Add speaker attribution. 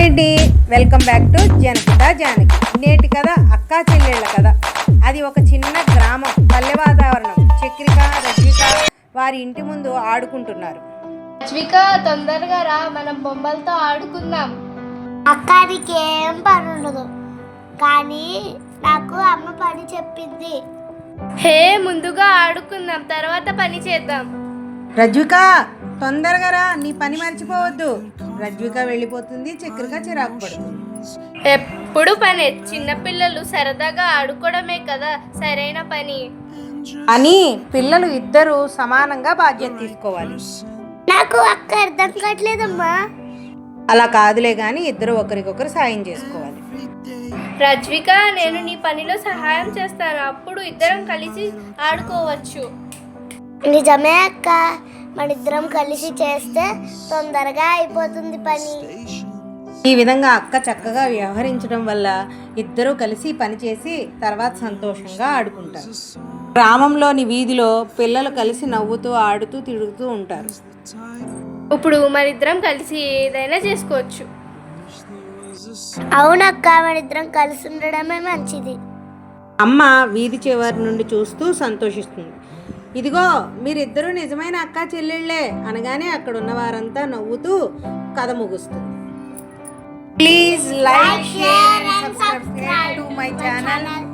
Speaker 1: Hi అండి, welcome back to జనపిత జానకి. నేటి కథ అక్కా చెల్లెళ్ళ కథ. అది ఒక చిన్న గ్రామం. పల్లె వాతావరణం. చక్రిక, రజ్విక వారి ఇంటి ముందు ఆడుకుంటున్నారు.
Speaker 2: రజ్విక, తొందరగా రా, మనం బొమ్మలతో ఆడుకుందాం.
Speaker 3: అక్కడికి ఏం పని ఉండదు, కానీ నాకు అమ్మ పని చెప్పింది.
Speaker 2: హే, ముందుగా ఆడుకుందాం, తర్వాత పని చేద్దాం.
Speaker 1: రజ్విక, తొందరగా రా, నీ పని మర్చిపోవద్దు. రజ్విక వెళ్ళిపోతుంది. చక్రిక చిరాకు పడుతుంది.
Speaker 2: ఎప్పుడు పనే, చిన్నపిల్లలు సరదాగా ఆడుకోవడమే కదా సరైన పని.
Speaker 1: అని పిల్లలు ఇద్దరు సమానంగా బాధ్యత తీసుకోవాలి.
Speaker 3: నాకు అక్క అర్థం కావట్లేదమ్మా.
Speaker 1: అలా కాదులే కానీ ఇద్దరు ఒకరికొకరు సాయం చేసుకోవాలి.
Speaker 2: రజ్విక, నేను నీ పనిలో సహాయం చేస్తాను, అప్పుడు ఇద్దరం కలిసి ఆడుకోవచ్చు.
Speaker 3: నిజమే అక్క, మనిద్దరం కలిసి చేస్తే తొందరగా అయిపోతుంది పని.
Speaker 1: ఈ విధంగా అక్క చక్కగా వ్యవహరించడం వల్ల ఇద్దరూ కలిసి పనిచేసి తర్వాత సంతోషంగా ఆడుకుంటారు. గ్రామంలోని వీధిలో పిల్లలు కలిసి నవ్వుతూ ఆడుతూ తిరుగుతూ ఉంటారు.
Speaker 2: ఇప్పుడు మనిద్దరం కలిసి ఏదైనా చేసుకోవచ్చు.
Speaker 3: అవునక్క, మనిద్దరం కలిసి ఉండడమే మంచిది.
Speaker 1: అమ్మ వీధి చివరి నుండి చూస్తూ సంతోషిస్తుంది. ఇదిగో, మీరిద్దరూ నిజమైన అక్కా చెల్లెళ్ళే అనగానే అక్కడ ఉన్న వారంతా నవ్వుతూ కథ ముగుస్తుంది. Please like, share and subscribe to my channel.